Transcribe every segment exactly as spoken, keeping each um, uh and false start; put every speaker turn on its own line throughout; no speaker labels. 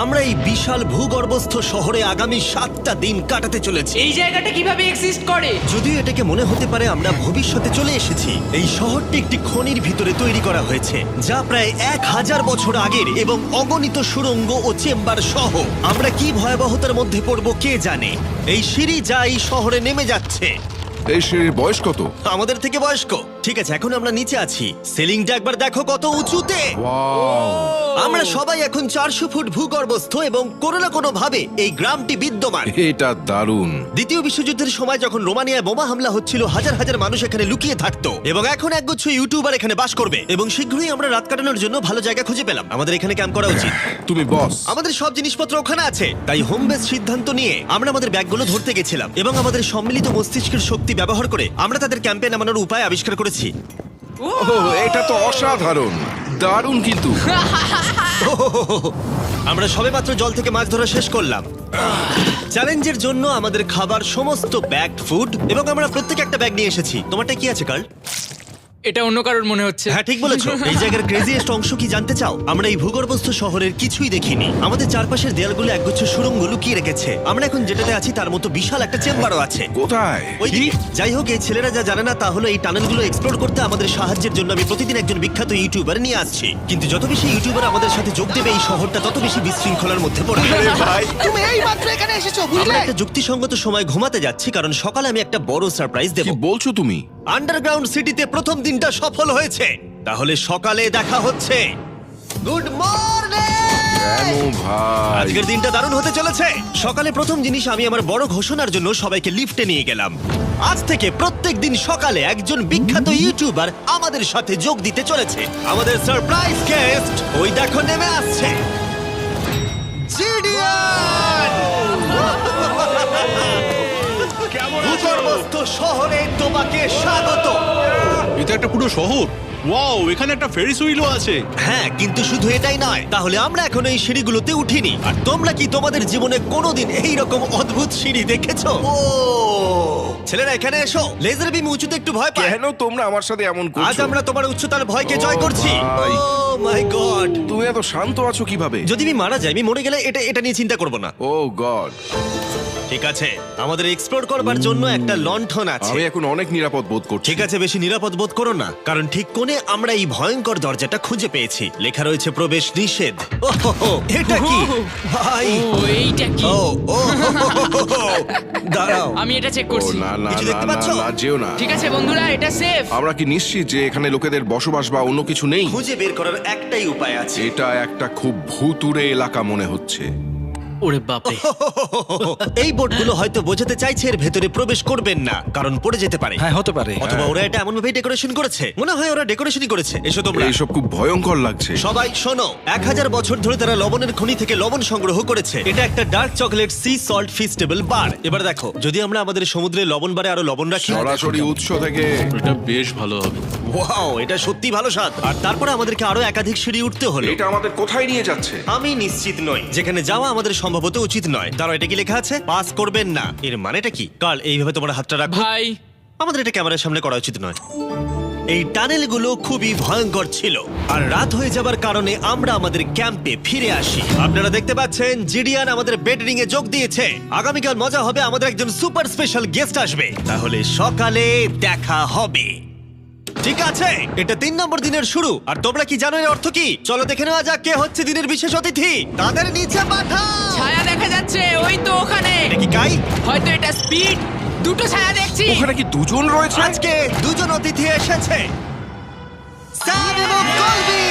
আমরা এই বিশাল ভূগর্ভস্থ শহরে আগামী সাতটা দিন কাটাতে চলেছি।
এই জায়গাটা কিভাবে এক্সিস্ট করে?
যদিও এটাকে মনে হতে পারে আমরা ভবিষ্যতে চলে এসেছি, এই শহরটি একটি খনির ভিতরে তৈরি করা হয়েছে যা প্রায় এক হাজার বছর আগের এবং অগণিত সুড়ঙ্গ ও চেম্বার সহ। আমরা কি ভয়াবহতার মধ্যে পড়ব কে জানে। এই সিঁড়ি যা এই শহরে নেমে যাচ্ছে
এই সিঁড়ির বয়স কত?
আমাদের থেকে বয়স্ক। ঠিক আছে, এখন আমরা নিচে আছি, সিলিংটা একবার দেখো কত উঁচুতে।
ওয়াও!
আমরা সবাই এখন চারশো ফুট ভূগর্ভস্থ এবং কোনো না কোনো ভাবে এই গ্রামটি বিদ্যমান।
এটা দারুণ।
দ্বিতীয় বিশ্বযুদ্ধের সময় যখন রোমানিয়ায় বোমা হামলা হচ্ছিল, হাজার হাজার মানুষ এখানে লুকিয়ে থাকতো এবং এখন একগুচ্ছ ইউটিউবার এখানে বাস করবে এবং শীঘ্রই আমরা রাত কাটানোর জন্য ভালো জায়গা খুঁজে পেলাম। আমাদের এখানে ক্যাম্প করা উচিত।
তুমি বস।
আমাদের সব জিনিসপত্র ওখানে আছে, তাই হোম বেস সিদ্ধান্ত নিয়ে আমরা আমাদের ব্যাগগুলো ধরতে গেছিলাম এবং আমাদের সম্মিলিত মস্তিষ্কের শক্তি ব্যবহার করে আমরা তাদের ক্যাম্পে নামানোর উপায় আবিষ্কার করেছি।
ওহ, এটা তো অসাধারণ, দারুণ। কিন্তু
আমরা সবেমাত্র জল থেকে মাছ ধরা শেষ করলাম। চ্যালেঞ্জের জন্য আমাদের খাবার সমস্ত ব্যাগ ফুড এবং আমরা প্রত্যেকে একটা ব্যাগ নিয়ে এসেছি। তোমারটা কি আছে কার্ল?
এটা অন্য কারোর মনে হচ্ছে।
হ্যাঁ, ঠিক বলেছো। এই জায়গার ক্রেজিয়েস্ট অংশ কি জানতে চাও? আমরা এই ভূগর্ভস্থ শহরের কিছুই দেখিনি। আমাদের চারপাশের দেয়ালগুলো একগুচ্ছ সুড়ঙ্গ লুকিয়ে রেখেছে। আমরা এখন যেটাতে আছি তার মতো বিশাল একটা চেম্বারও আছে
কোথায়?
ওইদিকে। যাই হোক, এই ছেলেরা যা জানে না তা হলো এই টানেলগুলো এক্সপ্লোর করতে আমাদের সাহায্যের জন্য আমি প্রতিদিন একজন বিখ্যাত ইউটিউবার নিয়ে আসছি। কিন্তু যত বেশি ইউটিউবার আমাদের সাথে যোগ দেবে এই শহরটা তত বেশি বিশৃঙ্খলার মধ্যে পড়বে। ভাই,
তুমি এই মাত্র এখানে এসেছো,
আমরা
বুঝলে?
একটা যুক্তিসঙ্গত সময় ঘুমাতে যাচ্ছি কারণ সকালে আমি একটা বড় সারপ্রাইজ দেব।
কি বলছো তুমি?
আন্ডারগ্রাউন্ড সিটিতে প্রথম দিনটা সফল হয়েছে, তাহলে সকালে দেখা হচ্ছে। Good morning!
কেন ভাই?
আজকের দিনটা দারুণ হতে চলেছে। সকালে প্রথম জিনিস, আমি আমার বড় ঘোষণার জন্য সবাইকে লিফটে নিয়ে গেলাম। আজ থেকে প্রত্যেক দিন সকালে একজন বিখ্যাত ইউটিউবার আমাদের সাথে যোগ দিতে চলেছে। আমাদের সারপ্রাইজ গেস্ট ওই দেখো নেমে আসছে, জিডিয়ান! ভূগর্ভস্থ শহরে তোমাকে স্বাগত।
এটা একটা পুরো শহর। ওয়াও, এখানে একটা ফেরিস হুইলও আছে।
হ্যাঁ, কিন্তু শুধু এটাই নয়। তাহলে আমরা এখন এই সিঁড়িগুলোতে উঠিনি। আর তোমরা কি তোমাদের জীবনে কোনোদিন এই রকম অদ্ভুত সিঁড়ি দেখেছো? ও ছেলেরা, এখানে এসো। লেজার বিম উঁচুতে একটু ভয় পায়।
কেন তোমরা আমার সাথে এমন
আজ
করছো?
আমরা তোমার উচ্চতার ভয়কে জয়
ও
করছি।
ভাই।
Oh my god!
তুমি এত শান্ত আছো কিভাবে?
যদি আমি মারা যাই, আমি মরে গেলে এটা এটা নিয়ে চিন্তা করব না।
Oh god!
ঠিক আছে, আমাদের এক্সপ্লোর করবার জন্য একটা লণ্ঠন আছে।
আমি এখন অনেক নিরাপদ বোধ করছি।
ঠিক আছে, বেশি নিরাপদ বোধ করো না, কারণ ঠিক কোণে আমরা এই ভয়ঙ্কর দরজাটা খুঁজে পেয়েছি। লেখা রয়েছে প্রবেশ নিষেধ। ওহো, এটা কি ভাই?
ও এইটা কি?
ও ও দাঁড়াও,
আমি এটা চেক
ও
করছি।
না না
কিছু
না
দেখতে
না
পাচ্ছো?
না, যেও না।
ঠিক আছে বন্ধুরা, এটা সেফ।
আমরা কি নিশ্চিত যে এখানে লোকেদের বসবাস বা অন্য কিছু নেই?
খুঁজে বের করার একটাই উপায় আছে।
এটা একটা খুব ভুতুড়ে এলাকা মনে হচ্ছে।
ওরে বাপরে।
এই বোর্ডগুলো হয়তো বোঝাতে চাইছে এর ভেতরে প্রবেশ করবেন না, কারণ পড়ে যেতে পারে।
হ্যাঁ, হতে পারে।
অথবা ওরা এটা এমন ভাবে ডেকোরেশন করেছে, মনে হয় ওরা ডেকোরেশনই করেছে। এসো তোমরা
এইসব খুব ভয়ঙ্কর লাগছে।
সবাই শোনো। এক হাজার বছর ধরে তারা লবণের খনি থেকে লবণ সংগ্রহ করেছে। এটা একটা dark chocolate sea salt feastable bar. এবার দেখো, যদি আমরা আমাদের সমুদ্রে লবণ বারে আরো লবণ রাখি।
সরাসরি উৎস থেকে।
এটা বেশ ভালো হবে।
ওয়াও, এটা সত্যি ভালো স্বাদ। আর তারপরে আমাদেরকে আরো একাধিক সিঁড়ি উঠতে হলো।
এটা আমাদের কোথায় নিয়ে যাচ্ছে?
আমি নিশ্চিত নই। যেখানে যাওয়া আমাদের সম্ভবত উচিত নয়। দাঁড়াও, এটা কি লেখা আছে? পাস করবেন না। এর মানেটা কি? কাল এইভাবে তোমার হাতটা রাখো।
ভাই,
আমাদের এটা ক্যামেরার সামনে করা উচিত নয়। এই টানেলগুলো খুবই ভয়ঙ্কর ছিল, আর রাত হয়ে যাবার কারণে আমরা আমাদের ক্যাম্পে ফিরে আসি। আপনারা দেখতে পাচ্ছেন জিডিয়ান আমাদের বেডরিং এ যোগ দিয়েছে। আগামীকাল মজা হবে, আমাদের একজন সুপার স্পেশাল গেস্ট আসবে। তাহলে সকালে দেখা হবে। ঠিক আছে, এটা তিন নম্বর দিনের শুরু। আর তোমরা কি জানো এর অর্থ কি? চলো দেখে নেওয়া যাক কে হচ্ছে দিনের বিশেষ অতিথি। তাদের নিচে পাঠাও।
ছায়া দেখা যাচ্ছে ওই তো ওখানে।
এটা কি কাই?
হয়তো এটা স্পিড। দুটো ছায়া দেখছি।
ওখানে কি দুজন রয়েছে?
আজকে দুজন অতিথি এসেছে, স্যাম এবং কলবি।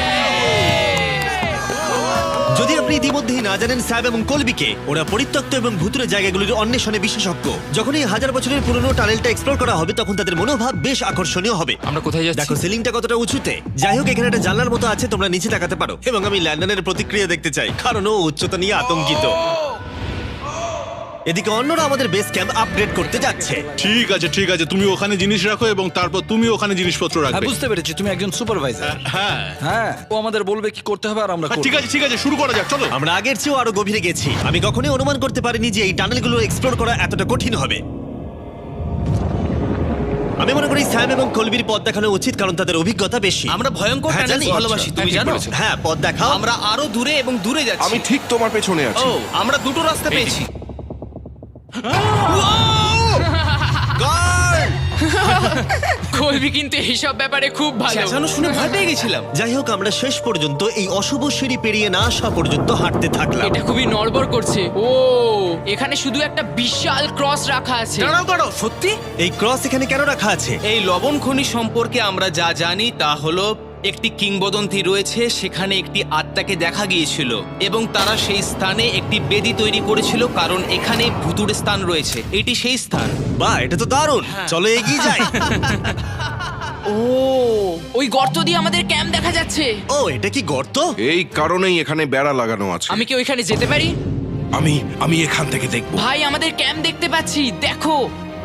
যদি আপনি ইতিমধ্যেই না জানেন স্যাব এবং কলবিকে, ওরা পরিত্যক্ত এবং ভুতুরে জায়গাগুলির অন্বেষণে বিশেষজ্ঞ। যখন এই হাজার বছরের পুরনো টানেলটা এক্সপ্লোর করা হবে, তখন তাদের মনোভাব বেশ আকর্ষণীয় হবে।
আমরা কোথায় যাচ্ছি?
দেখো সিলিংটা কতটা উঁচুতে। যাই হোক, এখানে একটা জানলার মতো আছে, তোমরা নিচে তাকাতে পারো। এবং আমি ল্যান্ডনের প্রতিক্রিয়া দেখতে চাই, কারণ ও উচ্চতা নিয়ে আতঙ্কিত। এদিকে অন্যরা আমাদের বেস ক্যাম্প আপগ্রেড করতে যাচ্ছে।
ঠিক আছে ঠিক আছে, তুমি ওখানে জিনিস রাখো এবং তারপর তুমি ওখানে জিনিসপত্র
হ্যাঁ,
রাখবে।
বুঝতে পেরেছি, তুমি একজন সুপারভাইজার।
হ্যাঁ
হ্যাঁ, ও আমাদের বলবে কি করতে হবে আর আমরা
হ্যাঁ,
করব।
ঠিক আছে ঠিক আছে, শুরু করা যাক, চলো।
আমরা আগের চেয়েও আরো গভীরে গেছি। আমি কখনোই অনুমান করতে পারিনি যে এই টানেলগুলো এক্সপ্লোর করা এতটা কঠিন হবে। আমি মনে করি স্যাম এবং কলবির পথ দেখানো উচিত, কারণ তাদের অভিজ্ঞতা বেশি।
আমরা ভয়ঙ্কর
হ্যাঁ,
টানেল
জানি।
ভালোবাসি, তুমি জানো?
হ্যাঁ, পথ দেখাও।
আমরা আরো দূরে এবং দূরে যাচ্ছি।
আমি ঠিক তোমার পেছনে
ও,
আছি।
আমরা দুটো রাস্তা পেয়েছি।
কলবি কিন্তু এইসব ব্যাপারে খুব ভালো।
চেঁচানো শুনে ভয় পেয়ে গেছিলাম।
যাই হোক, আমরা শেষ পর্যন্ত এই অশুভ সিঁড়ি পেরিয়ে না আসা পর্যন্ত হাঁটতে থাকলাম।
এটা খুবই নড়বড় করছে। ও, এখানে শুধু একটা বিশাল ক্রস রাখা আছে।
দাঁড়াও দাঁড়াও, সত্যি?
এই ক্রস এখানে কেন রাখা আছে?
এই লবণ খনি সম্পর্কে আমরা যা জানি তা হলো একটি কিংবদন্তি রয়েছে, সেখানে একটি আত্মাকে দেখা গিয়েছিল এবং তারা সেই স্থানে একটি বেদি তৈরি করেছিল, কারণ এখানে ভুতুড়ে স্থান রয়েছে। এটি সেই স্থান।
বাহ, এটা তো দারুণ। চলো এগিয়ে যাই।
ও, ওই গর্ত দিয়ে আমাদের ক্যাম্প দেখা যাচ্ছে।
ও, এটা কি গর্ত?
এই কারণেই এখানে বেড়া লাগানো আছে।
আমি কি ওইখানে যেতে পারি?
আমি আমি এখান থেকে দেখব।
ভাই, আমাদের ক্যাম্প দেখতে পাচ্ছি, দেখো।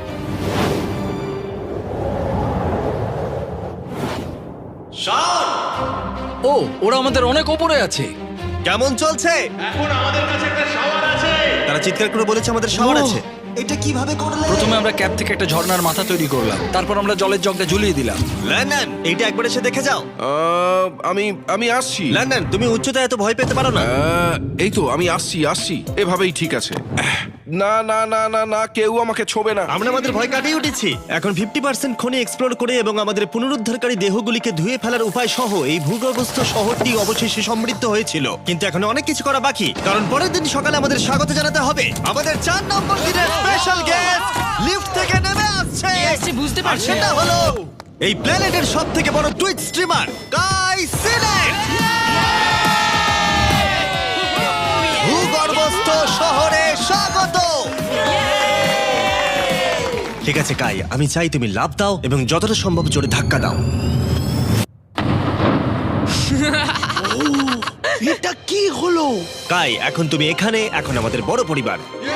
ও, ওরা আমাদের অনেক ওপরে আছে।
কেমন চলছে? এখন আমাদের কাছে একটা শাওয়ার আছে। তারা চিৎকার করে বলেছে আমাদের শাওয়ার
ও।
আছে। এটা কিভাবে করলে?
প্রথমে আমরা ক্যাপ থেকে একটা ঝর্ণার মাথা তৈরি করলাম, তারপর আমরা জলের জগটা ঝুলিয়ে দিলাম।
লন্ডন, এইটা একবার এসে দেখে যাও।
আহ, আমি আমি আসছি।
লন্ডন, তুমি উচ্চতায় এত ভয় পেতে পারো না।
আহ, এই তো আমি আসছি আসছি এভাবেই ঠিক আছে। আহ, না না না না না কেউ আমাকে ছোবে না।
আমরা আমাদের ভয় কাটিয়ে উঠেছি। এখন ফিফটি পার্সেন্ট খনি এক্সপ্লোর করে এবং আমাদের পুনরুদ্ধারকারী দেহগুলিকে ধুয়ে ফেলার উপায় সহ এই ভূগর্ভস্থ শহরটি অবশেষে সমৃদ্ধ হয়েছিল। কিন্তু এখন অনেক কিছু করা বাকি, কারণ পরের দিন সকালে আমাদের স্বাগত জানাতে হবে আমাদের চার নম্বর দিনের স্পেশাল গেস্ট লিফট থেকে নেমে আসছে।
কে আসছে বুঝতে
আর
পারছি
সেটা
না।
হলো এই প্ল্যানেটের সব থেকে বড় টুইট স্ট্রিমার গাই সিলেট। ভূগর্ভস্থ শহরে স্বাগত। ঠিক আছে কাই, আমি চাই তুমি লাফ দাও এবং যতটা সম্ভব জোরে ধাক্কা দাও।
এটা কি হলো?
কাই, এখন তুমি এখানে, এখন আমাদের বড় পরিবার।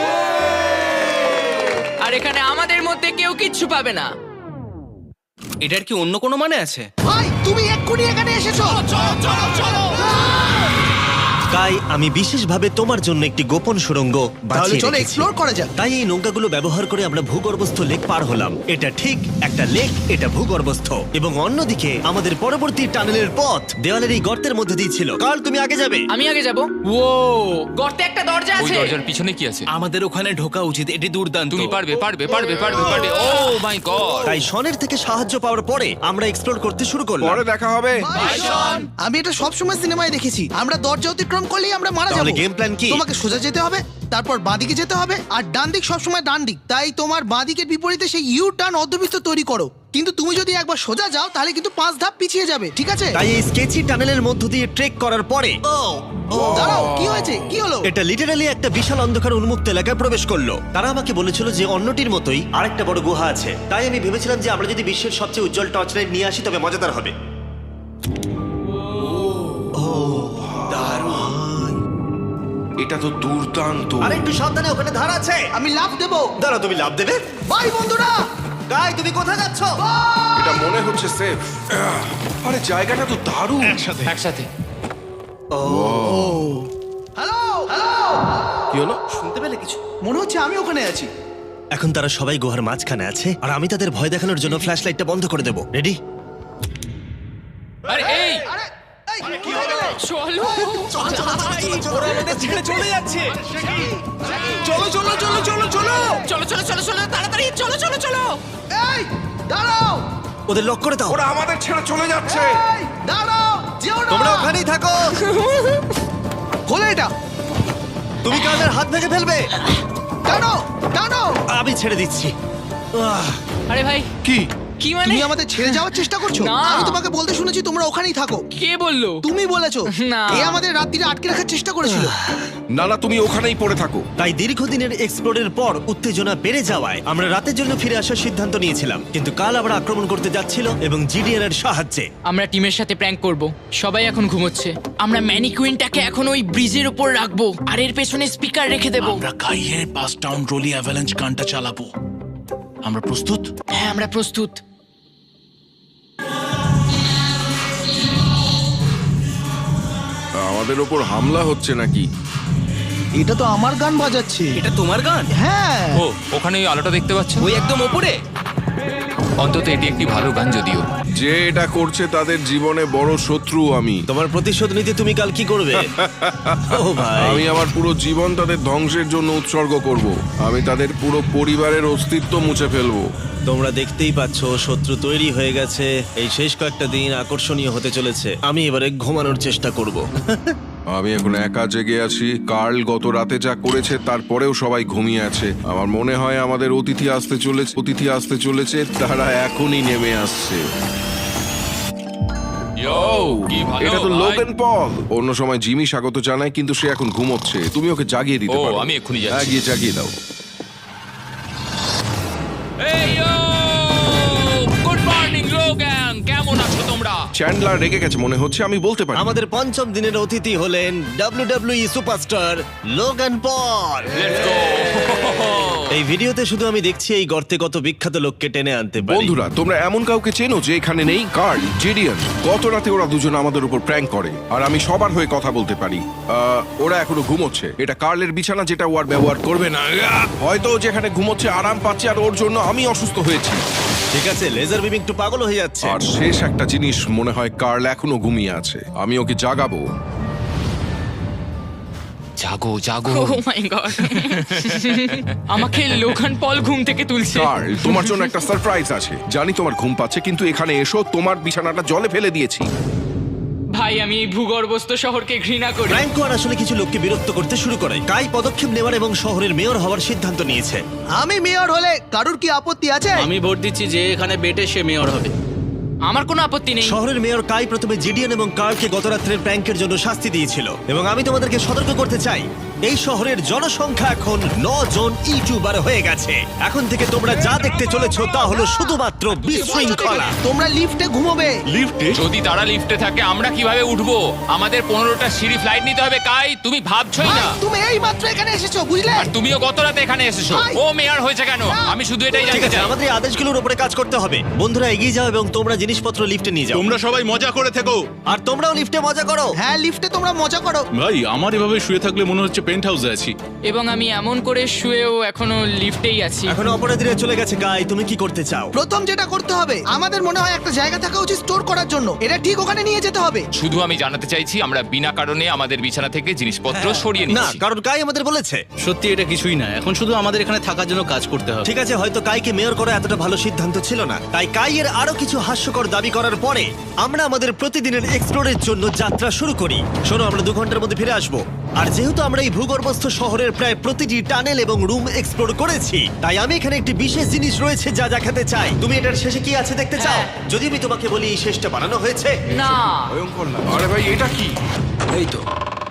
আর এখানে আমাদের মধ্যে কেউ কিচ্ছু পাবে না।
এটার কি অন্য কোনো মানে আছে?
ভাই, তুমি এক্ষুনি এখানে এসেছো। চলো চলো চলো।
কাই, আমি বিশেষভাবে তোমার জন্য একটি গোপন সুড়ঙ্গ বাছিয়ে
চলো
রেখেছি।
এক্সপ্লোর করা যাক।
তাই এই নৌকাগুলো ব্যবহার করে আমরা ভূগর্ভস্থ লেক পার হলাম। এটা ঠিক একটা লেক, এটা ভূগর্ভস্থ, এবং অন্যদিকে আমাদের পরবর্তী টানেলের পথ দেওয়ালের এই গর্তের মধ্যে দিয়ে ছিল। কাল, তুমি আগে যাবে।
আমি আগে যাব। ও, গর্তে একটা দরজা
ওই
আছে।
দরজার পিছনে কি আছে?
আমাদের ওখানে ঢোকা উচিত, এটি দুর্দান্ত।
তুমি পারবে পারবে পারবে পারবে পারবে ও মাই গড!
তাই শনের থেকে সাহায্য পাওয়ার পরে আমরা এক্সপ্লোর করতে শুরু করলাম।
পরে দেখা হবে।
আমি এটা সবসময় সিনেমায় দেখেছি, আমরা দরজা অতিক্রম করলেই আমরা মারা
তাহলে
যাবো।
game plan কি?
তোমাকে সোজা যেতে হবে, তারপর বাঁদিকে যেতে হবে, আর ডান দিক সবসময় ডান দিক। তাই তোমার বাঁদিকের বিপরীতে সেই ইউ টার্ন অর্ধবৃত্ত তৈরি করো। কিন্তু তুমি যদি একবার সোজা যাও তাহলে কিন্তু পাঁচ ধাপ পিছিয়ে যাবে, ঠিক আছে?
তাই এই স্কেচি টানেলের মধ্য দিয়ে ট্রেক করার পরে
দাঁড়াও, কি হয়েছে, কি হলো?
এটা লিটারালি একটা বিশাল অন্ধকার উন্মুক্ত এলাকায় প্রবেশ করলো। তারা আমাকে বলেছিল যে অন্যটির মতোই আরেকটা বড় গুহা আছে। তাই আমি ভেবেছিলাম যে আমরা যদি বিশ্বের সবচেয়ে উজ্জ্বল টর্চ লাইট নিয়ে আসি তবে মজাদার হবে।
এটা তো দুর্দান্ত।
আর একটু সাবধানে, ওখানে ধার আছে।
আমি লাফ দেবো।
দাঁড়াও, তুমি লাভ দেবে?
বাই বন্ধুরা।
গাই, তুমি কোথায় যাচ্ছ?
এটা মনে হচ্ছে সেফ। আরে জায়গাটা তো দারুণ।
একসাথে
হ্যালো হ্যালো,
কি হলো?
শুনতে পেলে কিছু?
মনে হচ্ছে আমি ওখানে আছি।
এখন তারা সবাই গুহার মাঝখানে আছে, আর আমি তাদের ভয় দেখানোর জন্য ফ্ল্যাশ লাইটটা বন্ধ করে দেবো। রেডি?
আরে এই
আরে এই,
চলো।
ওরা আমাদের ছেড়ে চলে যাচ্ছে। চলো চলো চলো চলো চলো।
চলো চলো চলো চলো, তাড়াতাড়ি চলো চলো চলো।
এই দাঁড়াও,
ওদের লক করে দাও।
ওরা আমাদের ছেড়ে চলে যাচ্ছে।
এই দাঁড়াও, যেও না।
তোমরা ওখানেই থাকো।
খোলো এটা।
তুমি কাদের হাত ভেঙে ফেলবে।
টানো টানো।
আমি ছেড়ে দিচ্ছি। আহ,
আরে ভাই,
কি?
কি মানে?
তুমি আমাদের ছেড়ে যাওয়ার চেষ্টা করছো?
না।
আমি তোমাকে বলতে শুনেছি তোমরা ওখানেই থাকো।
কে বললো?
তুমি বলেছো।
না।
এ আমাদের রাত্রিরে আটকে রাখার চেষ্টা করেছিল।
না না তুমি ওখানেই পড়ে থাকো।
তাই দীর্ঘদিনের এক্সপ্লোরের পর উত্তেজনা বেড়ে যাওয়ায় আমরা রাতের জন্য ফিরে আসার সিদ্ধান্ত নিয়েছিলাম। কিন্তু কাল আবার আক্রমণ করতে যাচ্ছিল এবং জিডিএন এর সাহায্যে।
আমরা টিমের সাথে প্র্যাঙ্ক করব। সবাই এখন ঘুমোচ্ছে। আমরা ম্যানিকুইনটাকে এখন ওই ব্রিজের উপর রাখবো আর এর পেছনে স্পিকার রেখে দেব।
আমরা কাইয়ের পাস টাউন রোলি অ্যাভালাঞ্চ গানটা চালাবো। আমরা প্রস্তুত?
হ্যাঁ, আমরা প্রস্তুত।
আমাদের ওপর হামলা হচ্ছে নাকি?
এটা তো আমার গান বাজাচ্ছে।
এটা তোমার গান?
হ্যাঁ।
ও ওখানে ওই আলোটা দেখতে পাচ্ছ?
ওই একদম ওপরে।
অন্তত এটি একটি ভালো গান যদিও।
যে এটা করছে তাদের জীবনে বড় শত্রু আমি
তোমার প্রতিশোধ নিতে তুমি কাল কি করবে? ও ভাই,
আমি আমার পুরো জীবন তাদের ধ্বংসের জন্য উৎসর্গ করব। আমি তাদের পুরো পরিবারের অস্তিত্ব মুছে ফেলবো।
তোমরা দেখতেই পাচ্ছ শত্রু তৈরি হয়ে গেছে। এই শেষ কয়েকটা দিন আকর্ষণীয় হতে চলেছে। আমি এবারে ঘুমানোর চেষ্টা করব।
আমি এখন একা জেগে আছি। কার্ল গত রাতে যা করেছে তারপরেও সবাই ঘুমিয়ে আছে। আমার মনে হয় আমাদের অতিথি আসতে চলেছে অতিথি আসতে চলেছে তারা এখনই নেমে আসছে।
কি ভালো
এটা তো
ভাই।
Logan Paul. অন্য সময় জিমি স্বাগত জানায়, কিন্তু সে এখন ঘুমোচ্ছে। তুমি ওকে জাগিয়ে দিতে
ও,
পারো।
আমি এক্ষুনি যাচ্ছি।
হ্যাঁ, গিয়ে জাগিয়ে দাও।
এই ইয়ো! গুড মর্নিং লোগান, কেমন আছো তোমরা?
চ্যান্ডলার রেগে গেছে মনে হচ্ছে, আমি বলতে পারি।
আমাদের পঞ্চম দিনের অতিথি হলেন W W E superstar Logan Paul.
Let's go!
এই ভিডিওতে শুধু আমি দেখছি এই গর্তে কত বিখ্যাত লোককে টেনে আনতে পারি।
বন্ধুরা, তোমরা এমন কাউকে চেনো যে এখানে নেই? Karl, Jidion. গত রাতে ওরা দুজন আমাদের উপর প্র্যাঙ্ক করে, আর আমি সবার হয়ে কথা বলতে পারি। আহ, ওরা এখনো ঘুমোচ্ছে। এটা কার্লের বিছানা, যেটা ও আর ব্যবহার করবে না। আহ! হয়তো ও যেখানে ঘুমোচ্ছে আরাম পাচ্ছে, আর ওর জন্য আমি অসুস্থ হয়েছি।
ঠিক আছে, লেজার বিম একটু পাগল হয়ে যাচ্ছে।
আর শেষ একটা জিনিস, মনে হয় কার্ল এখনো ঘুমিয়ে আছে। আমি ওকে জাগাবো।
জাগো জাগো।
ও মাই গড! আমাকে লোগান পল ঘুম থেকে তুলছে।
কার্ল, তোমার জন্য একটা সারপ্রাইজ আছে। জানি তোমার ঘুম পাচ্ছে, কিন্তু এখানে এসো, তোমার বিছানাটা জলে ফেলে দিয়েছি।
ভাই, আমি এই ভূগর্ভস্থ শহরকে ঘৃণা করি।
ফ্র্যাঙ্কো আর আসলে কিছু লোককে বিরক্ত করতে শুরু করে। কাই পদক্ষেপ নেওয়ার এবং শহরের মেয়র হওয়ার সিদ্ধান্ত নিয়েছে।
আমি মেয়র হলে কারুর কি আপত্তি আছে?
আমি ভোট দিচ্ছি যে এখানে বেটে সে মেয়র হবে।
আমার কোনো আপত্তি নেই।
শহরের মেয়র কাই প্রথমে জিডিয়ান এবং কার্লকে গত রাত্রের প্র্যাঙ্কের জন্য শাস্তি দিয়েছিল, এবং আমি তোমাদেরকে সতর্ক করতে চাই, এই শহরের জনসংখ্যা এখন ন জন ইউটিউবার হয়ে গেছে। এখন থেকে তোমরা যা দেখতে চলেছো তা হলো শুধুমাত্র বিশৃঙ্খলা।
তোমরা লিফটে ঘুমোবে।
যদি তারা লিফটে থাকে আমরা কিভাবে উঠবো? আমাদের পনেরোটা সিঁড়ি ফ্লাইট নিতে হবে। কাই, তুমি ভাবছই
ভাই,
না।
তুমি এই মাত্র এখানে এসেছো, বুঝলে?
আর তুমিও গত রাতে এখানে এসেছো।
ভাই!
ও মেয়র হয়েছে কেন? আমি শুধু এটাই
ঠিক
জানতে
আছে,
চাই।
আমাদের এই আদেশগুলোর উপরে কাজ করতে হবে। বন্ধুরা, এগিয়ে যাও এবং তোমরা জিনিসপত্র লিফটে নিয়ে যাও।
তোমরা সবাই মজা করে থেকো।
আর তোমরাও লিফটে মজা করো।
হ্যাঁ, লিফটে তোমরা মজা করো।
ভাই, আমার এভাবে শুয়ে থাকলে মনে হচ্ছে পেন্ট হাউসে আছি।
এবং আমি এমন করে শুয়েও এখনো লিফটেই আছি।
এখন অপরাধীরা চলে গেছে। কাই, তুমি কি করতে চাও?
প্রথম যেটা করতে হবে, আমাদের মনে হয় একটা জায়গা থাকা উচিত স্টোর করার জন্য। এটা ঠিক ওখানে নিয়ে যেতে হবে।
শুধু আমি জানাতে চাইছি আমরা বিনা কারণে আমাদের বিছানা থেকে জিনিসপত্র সরিয়ে
না,
নিচ্ছি।
কারণ কাই আমাদের বলেছে।
সত্যি এটা কিছুই না, এখন শুধু আমাদের এখানে থাকার জন্য কাজ করতে হবে।
ঠিক আছে, হয়তো কাইকে মেয়র করা এতটা ভালো সিদ্ধান্ত ছিল না। তাই কাইয়ের আরো কিছু হাস্যকর দাবি করার পরে আমরা আমাদের প্রতিদিনের এক্সপ্লোরের জন্য যাত্রা শুরু করি। শোনো, আমরা দু ঘন্টার মধ্যে ফিরে আসবো। আর যেহেতু আমরা এই ভূগর্ভস্থ শহরের প্রায় প্রতিটি টানেল এবং রুম এক্সপ্লোর করেছি, তাই আমি এখানে একটি বিশেষ জিনিস রয়েছে যা দেখাতে চাই। তুমি এটার শেষে কি আছে দেখতে চাও?
হ্যাঁ।
যদি আমি তোমাকে বলি এই শেষটা বানানো হয়েছে।
না।
ভয়ঙ্কর লাগে। আরে ভাই, এটা কি?
এই তো।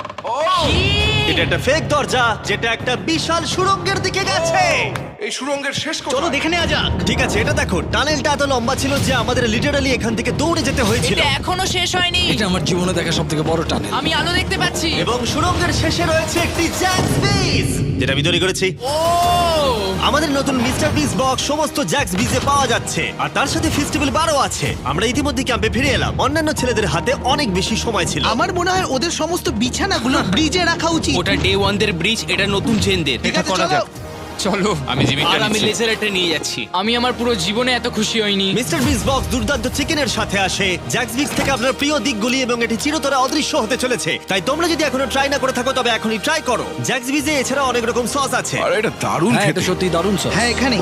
এটা একটা ফেক দরজা, যেটা একটা বিশাল সুড়ঙ্গের দিকে গেছে।
এই সুড়ঙ্গের শেষ
চলো
কোথায়?
দেখে নেওয়া যাক।
ঠিক আছে, এটা দেখো, টানেলটা এত লম্বা ছিল যে আমাদের লিটারালি এখান থেকে দৌড়ে যেতে হয়েছিল।
এটা এখনো শেষ হয়নি।
এটা আমার জীবনে দেখা সব থেকে বড় টানেল।
আমি আলো দেখতে পাচ্ছি।
এবং সুড়ঙ্গের শেষে রয়েছে একটি জ্যাক্স বিজ, যেটা আমি তৈরি করেছি।
ও!
আমাদের নতুন মিস্টার বিস বক্স সমস্ত জ্যাক্স বিজে পাওয়া যাচ্ছে, আর তার সাথে ফেস্টিভ্যাল বারও আছে। আমরা ইতিমধ্যে ক্যাম্পে ফিরে এলাম। অন্যান্য ছেলেদের হাতে অনেক বেশি সময় ছিল।
আমার মনে হয় ওদের সমস্ত বিছানাগুলো ব্রিজে রাখা উচিত।
ওটা ডে ওয়ান দের ব্রিজ, এটা নতুন চেনদের।
ঠিক আছে, চলো।
চলো, আমি জিমিটা
আর আমি
নিচ্ছি।
লেজার এটা নিয়ে যাচ্ছি।
আমি আমার পুরো জীবনে এত খুশি হইনি।
মিস্টার বিস বক্স দুর্দান্ত চিকেনের সাথে আসে, জ্যাক্স বিক্স থেকে আপনার প্রিয় দিকগুলি, এবং এটি চিরতরে অদৃশ্য হতে চলেছে। তাই তোমরা যদি এখনো ট্রাই না করে থাকো তবে এখনই ট্রাই করো। জ্যাক্স বিজে এছাড়া অনেক রকম সস আছে।
আরে এটা দারুণ
হ্যাঁ, এটা
খেতে।
সত্যি দারুণ সব।
হ্যাঁ, এখানে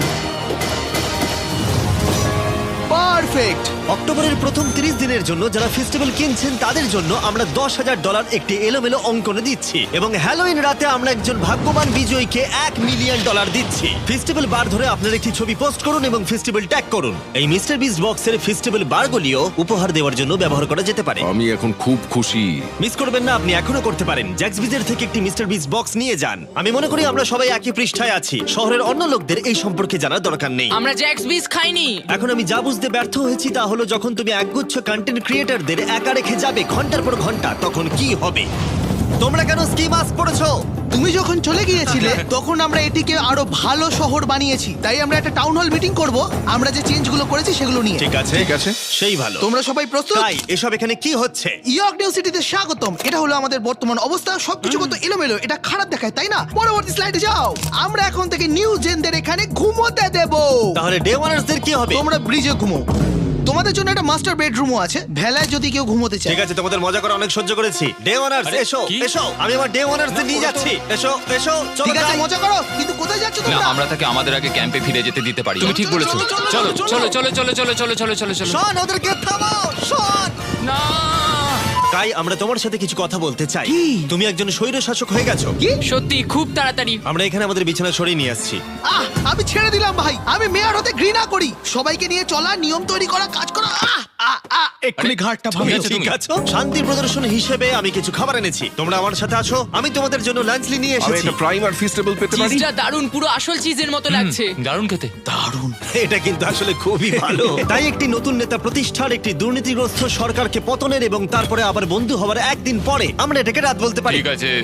পারফেক্ট।
অক্টোবরের প্রথম তিরিশ দিনের জন্য যারা ফেস্টিভ্যাল কিনছেন তাদের জন্য আমরা দশ হাজার ডলার একটি এলোমেলো অঙ্কনে দিচ্ছি, এবং হ্যালোইন রাতে আমরা একজন ভাগ্যবান বিজয়ীকে এক মিলিয়ন ডলার দিচ্ছি। ফেস্টিভ্যাল বার ধরে আপনার একটি ছবি পোস্ট করুন এবং ফেস্টিভ্যাল ট্যাগ করুন। এই মিস্টার বিস বক্সের ফেস্টিভ্যাল বারগুলিও উপহার দেওয়ার জন্য ব্যবহার করা যেতে পারে।
আমি এখন খুব খুশি।
মিস করবেন না, আপনি এখনো করতে পারেন। জ্যাক্স বিজের থেকে একটি মিস্টার বিস বক্স নিয়ে যান। আমি মনে করি আমরা সবাই একই পৃষ্ঠায় আছি। শহরের অন্য লোকদের এই সম্পর্কে জানার দরকার নেই।
আমরা জ্যাক্স বিস খাইনি।
এখন আমি যা বুঝতে ব্যর্থ হয়েছি তা হলো, যখন তুমি একগুচ্ছ কন্টেন্ট ক্রিয়েটরদের একা রেখে যাবে ঘন্টার পর ঘন্টা, তখন কি হবে? তোমরা কেন স্কি মাস্ক পরেছো?
তুমি যখন চলে গিয়েছিলে তখন আমরা এটিকে আরো ভালো শহর বানিয়েছি, তাই আমরা একটা টাউন হল মিটিং করব আমরা যে চেঞ্জগুলো করেছি সেগুলো নিয়ে।
ঠিক আছে
ঠিক আছে।
সেই ভালো।
তোমরা সবাই প্রস্তুত?
তাই এসব এখানে কি হচ্ছে?
ইয়র্ক নিউ সিটিতে স্বাগতম। এটা হলো আমাদের বর্তমান অবস্থা। সবকিছু কত এলোমেলো, এটা খারাপ দেখায় তাই না? পরবর্তী স্লাইডে যাও। আমরা এখন থেকে নিউ জেনদের এখানে ঘুমোতে দেব।
তাহলে ডে ওয়ানার্সদের কি হবে?
তোমরা ব্রিজে ঘুমো। তোমাদের জন্য একটা মাস্টার বেডরুমও আছে, ভেলায় যদি কেউ ঘুমোতে চায়।
ঠিক আছে, তোমাদের মজা করে অনেক সহ্য করেছি। ডে ওয়ানার্স
আরে,
এসো
কি?
এসো, আমি আমার ডে ওয়ানার্সদের নিয়ে যাচ্ছি। এসো এসো, চলো
ঠিক আছে,
যাই।
মজা করো, কিন্তু কোথায় যাচ্ছ
না
তোমরা?
আমরা তাকে আমাদের আগে ক্যাম্পে ফিরে যেতে দিতে পারি। তুমি ঠিক
চলো,
বলেছো।
চলো,
চলো
চলো,
চলো চলো চলো চলো চলো চলো চলো চলো।
শোন, ওদেরকে থামাও, শোন।
না
তাই আমরা তোমার সাথে কিছু কথা বলতে চাই।
কি?
তুমি একজন স্বৈর শাসক হয়ে গেছো।
কি?
সত্যি খুব তাড়াতাড়ি।
আমরা এখানে আমাদের বিছানা সরিয়ে নিয়ে আসছি।
আহ, আমি ছেড়ে দিলাম ভাই। আমি মেয়র হতে ঘৃণা করি। সবাইকে নিয়ে চলা, নিয়ম তৈরি করা, কাজ করা। আহ, আহ, আহ, এক্ষুনি ঘাটটা
ঠিক
ভাঙো।
আছে,
ঠিক
তুমি।
আছে, শান্তি প্রদর্শন হিসেবে আমি কিছু খাবার এনেছি। তোমরা আমার সাথে আসো, আমি তোমাদের জন্য লাঞ্চলি নিয়ে
আমি
এসেছি।
একটা প্রাইম আর ফিস্টেবল পেতে পারি?
চিজটা দারুণ, পুরো আসল চিজের মতো লাগছে।
দারুণ খেতে।
এটা কিন্তু আসলে খুবই ভালো। তাই একটি নতুন নেতা প্রতিষ্ঠার, একটি দুর্নীতিগ্রস্ত সরকারকে পতনের এবং তারপরে আবার বন্ধু হবার একদিন পরে আমরা এটাকে রাত বলতে পারি।
ঠিক আছে।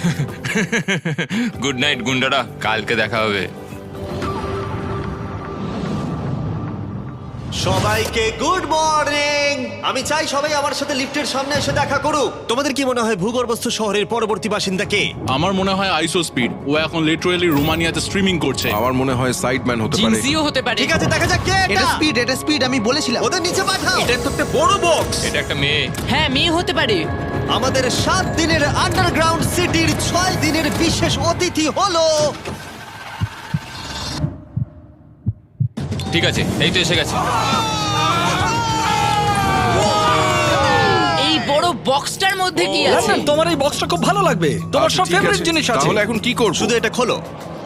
গুড নাইট গুন্ডারা, কালকে দেখা হবে।
সবাইকে গুড মর্নিং। আমি চাই সবাই আমার সাথে লিফটের সামনে এসে দেখা করুক। তোমাদের কি মনে হয় ভূগর্ভস্থ শহরের পরবর্তী বাসিন্দা কে?
আমার মনে হয় আইসো স্পিড, ও এখন লিটারালি রোমানিয়াতে স্ট্রিমিং করছে।
আমার মনে হয় সাইডম্যান হতে পারে।
জিনসিও হতে পারে।
ঠিক আছে, দেখা যাক কে
এটা
এটা।
স্পিড, এটা স্পিড, আমি বলেছিলাম।
ওদের নিচে পাঠাও। এটা তো একটা বড় বক্স।
এটা একটা মেয়ে।
হ্যাঁ, মেয়ে হতে পারে।
আমাদের সাত দিনের আন্ডারগ্রাউন্ড সিটির ছয় দিনের বিশেষ অতিথি হলো
ঠিক আছে, এই তো এসে গেছে।
এই বড় বক্সটার মধ্যে কি আছে?
লন্ডন, তোমার এই বক্সটা খুব ভালো লাগবে। তোমার
আচ্ছা,
সব
ঠিক
ফেভারিট
আছে।
জিনিস আছে।
তাহলে এখন কি করব?
শুধু এটা খোলো।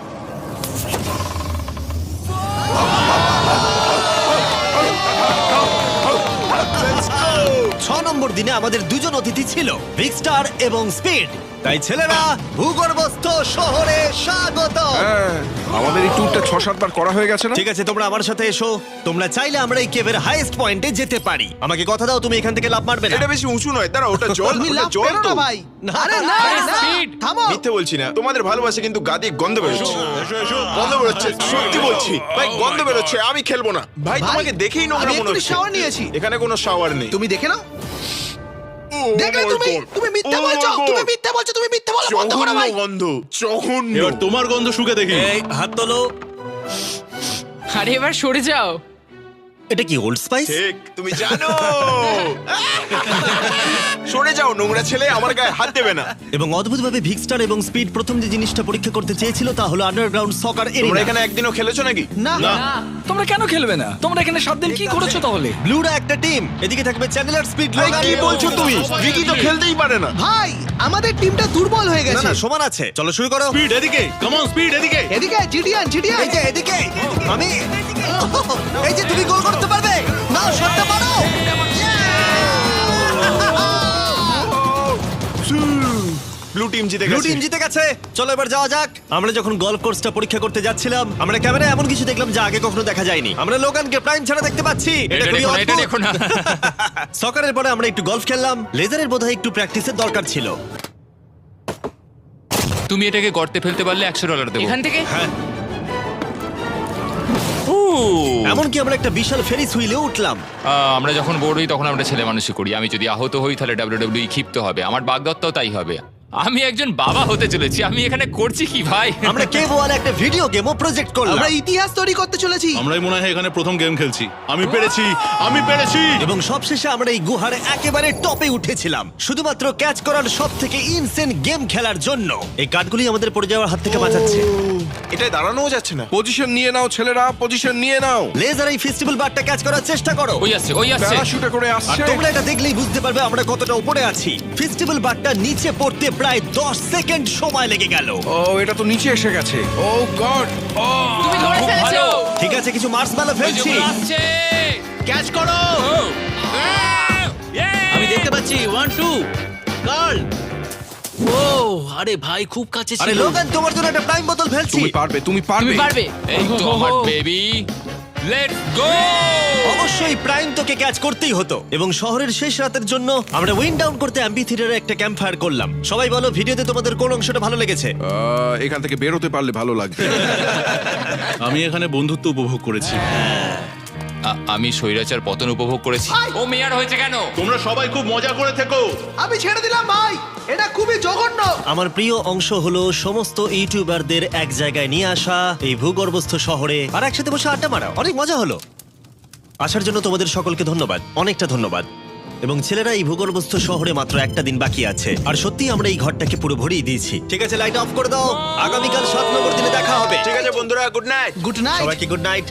ছ নম্বর দিনে আমাদের দুজন অতিথি ছিল, বিগ স্টার এবং স্পিড। তাই ছেলেরা, ভূগর্ভস্থ শহরে স্বাগত।
হ্যাঁ, আমাদের এই ট্যুরটা ছ সাতবার করা হয়ে গেছে না?
ঠিক আছে, তোমরা আমার সাথে এসো। তোমরা চাইলে আমরা এই কেভের হাইয়েস্ট পয়েন্টে যেতে পারি। আমাকে কথা দাও তুমি এখান থেকে লাফ মারবে না।
এটা বেশি উঁচু নয়, দাঁড়া, ওটা জল,
তুমি
ওটা
লাভ
জল
পেরো
তো।
না ভাই।
না,
আরে না,
আরে
না,
speed।
থামো।
মিথ্যে বলছি না, তোমাদের ভালোবাসে কিন্তু গা দিয়ে গন্ধ বেরোচ্ছে। গন্ধ বেরোচ্ছে, সত্যি বলছি ভাই, গন্ধ বেরোচ্ছে। আমি খেলবো না ভাই,
ভাই,
তোমাকে দেখেই নোংরা
আমি
মনে
এক্ষুনি
হচ্ছে।
shower নিয়েছি।
এখানে কোনো শাওয়ার নেই।
তুমি দেখে নাও।
Oh
দেখলে
my
তুমি,
God!
তুমি মিথ্যে
Oh my
বলছো,
God!
তুমি মিথ্যে বলছো, তুমি মিথ্যে বলো, বন্ধ করো
জঘন্য
ভাই।
গন্ধ, জঘন্য।
এবার তোমার গন্ধ শুকে দেখি।
এই হাত তোলো।
আরে এবার সরে যাও।
এটা কি ওল্ড স্পাইস?
ঠিক, তুমি জানো। সরে যাও নোংরা ছেলে, আমার গায়ে হাত দেবে না।
এবং অদ্ভুতভাবে ভিক্সটার এবং স্পিড প্রথম যে জিনিসটা পরীক্ষা করতে চেয়েছিল তা হলো আন্ডারগ্রাউন্ড সকার
তোমরা
এরিয়া।
এখানে একদিনও খেলেছো নাকি?
না,
তোমরা কেন খেলবে না? তোমরা এখানে সাত দিন কি করেছো তাহলে?
ব্লুরা একটা টিম, এদিকে থাকবে চ্যানেলার, স্পিড,
ভাই,
লোগান।
কি বলছো তুমি? ভিকি তো খেলতেই পারে না।
ভাই, আমাদের টিমটা দুর্বল হয়ে
না
গেছে।
না, সমান আছে। চলো শুরু করো।
স্পিড এদিকে, কাম অন স্পিড এদিকে।
এদিকে জিডিয়ান, জিডিয়ান।
এই যে এদিকে, আমি এই যে তুমি গোল করতে পারবে না, শটটা মারো।
ব্লু টিম জিতে
ব্লু
গেছে।
টিম জিতে গেছে। চলো এবার যাওয়া যাক। আমরা যখন গলফ কোর্সটা পরীক্ষা করতে যাচ্ছিলাম, আমরা ক্যামেরায় এমন কিছু দেখলাম যা আগে কখনো দেখা যায়নি। আমরা লোগানকে প্রাইম ছাড়া দেখতে পাচ্ছি। এটা
এটা
খুবই
দেখো না, এটা
অদ্ভুত।
দেখো না।
সকারের পরে আমরা একটু গলফ খেললাম। লেজারের বোধহয় একটু প্র্যাকটিসের দরকার ছিল।
তুমি এটাকে গর্তে ফেলতে পারলে একশো ডলার দেবো।
এখান থেকে
এমনকি আমরা একটা বিশাল ফেরিস হুইলে উঠলাম।
আহ, আমরা যখন বোর হই তখন আমরা ছেলে মানুষই করি। আমি যদি আহত হই তাহলে ডাব্লিউডাব্লিউই ক্ষিপ্ত হবে। আমার বাগদত্তাও তাই হবে। আমি একজন বাবা হতে চলেছি। আমি এখানে করছি কি ভাই?
আমরা কেভ ওয়ালে একটা ভিডিও গেমও প্রজেক্ট করলাম
আমরা ইতিহাস তৈরি করতে চলেছি।
আমরাই মনে হয় এখানে প্রথম গেম খেলছি। আমি পেরেছি, আমি পেরেছি।
এবং সবশেষে আমরা এই গুহার একেবারে টপে উঠেছিলাম শুধুমাত্র ক্যাচ করার সব থেকে ইনসেন গেম খেলার জন্য। এই কাঠগুলি আমাদের পড়ে যাওয়ার হাত থেকে বাঁচাচ্ছে।
এটাই দাঁড়ানোও যাচ্ছে না।
পজিশন নিয়ে নাও ছেলেরা, পজিশন নিয়ে নাও।
লেজার এই ফেস্টিভ্যাল বারটা ক্যাচ করার চেষ্টা করো।
ওই আসছে, ওই আসছে।
প্যারাশুটে করে
আর
আসছে।
তোমরা এটা দেখলেই বুঝতে পারবে আমরা কতটা উপরে আছি। ফেস্টিভ্যাল বারটা নিচে পড়তে প্রায় দশ সেকেন্ড সময় লেগে গেল।
ও, এটা তো নিচে এসে গেছে। ও গড। ও,
তুমি ধরে
খুব
ফেলেছো।
ভালো।
ঠিক আছে, কিছু মার্শম্যালো
ওই যে
ফেলছি।
ওগুলো আসছে।
ক্যাচ করো।
ও, আহ, yay!
আমি দেখতে পাচ্ছি ওয়ান টু গার্ল। ও আরে ভাই, খুব কাছে
আরে
ছিল।
লোগান, তোমার জন্য একটা প্রাইম বোতল ফেলছি।
তুমি পারবে, তুমি পারবে।
তুমি পারবে।
এই তো আমার বেবি। Let's go!
অবশ্যই প্রাইম তোকে ক্যাচ করতেই হতো এবং শহরের শেষ রাতের জন্য আমরা উইন্ড ডাউন করতে অ্যাম্পি থিয়েটারে একটা ক্যাম্প ফায়ার করলাম। সবাই বলো ভিডিওতে তোমাদের কোন অংশটা ভালো লেগেছে?
আহ, এখান থেকে বেরোতে পারলে ভালো লাগবে।
আমি এখানে বন্ধুত্ব উপভোগ করেছি।
আমি স্বৈরাচার পতন উপভোগ করেছি। ও মেয়ার হয়েছে কেন?
তোমরা সবাই খুব মজা করে থেকো।
আমি ছেড়ে দিলাম ভাই, এটা খুবই জঘন্য।
আমার প্রিয় অংশ হলো সমস্ত ইউটিউবারদের এক জায়গায় নিয়ে আসা এই ভূগর্ভস্থ শহরে আর একসাথে বসে আড্ডা মারা। অনেক মজা হলো। আসার জন্য তোমাদের সকলকে ধন্যবাদ, অনেকটা ধন্যবাদ। এবং ছেলেরা, এই ভূগর্ভস্থ শহরে মাত্র একটা দিন বাকি আছে আর সত্যি আমরা এই ঘরটাকে পুরো ভরিয়ে দিয়েছি। ঠিক আছে, লাইট অফ করে দাও। আগামীকাল সাত নম্বর দিনে দেখা হবে।
ঠিক আছে বন্ধুরা, গুড নাইট।
Good night.
সবাইকে গুড নাইট।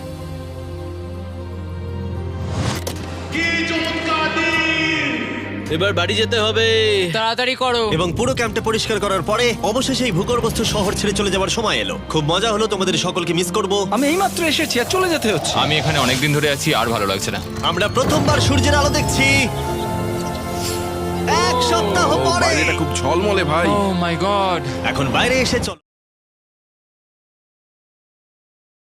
এবার বাড়ি যেতে হবে।
তাড়াতাড়ি করো।
এবং পুরো ক্যাম্পটা পরিষ্কার করার পরে অবশেষে এই ভূগর্ভস্থ শহর ছেড়ে চলে যাওয়ার সময় এলো। খুব মজা হলো, তোমাদের সকলকে মিস করব।
আমি এইমাত্র এসেছি আর চলে যেতে হচ্ছে।
আমি এখানে অনেকদিন ধরে আছি, আর ভালো লাগছে না।
আমরা প্রথমবার সূর্যের আলো দেখছি এক সপ্তাহ পরে।
বাইরেটা খুব ঝলমলে ভাই।
Oh my god!
এখন বাইরে এসে চলো।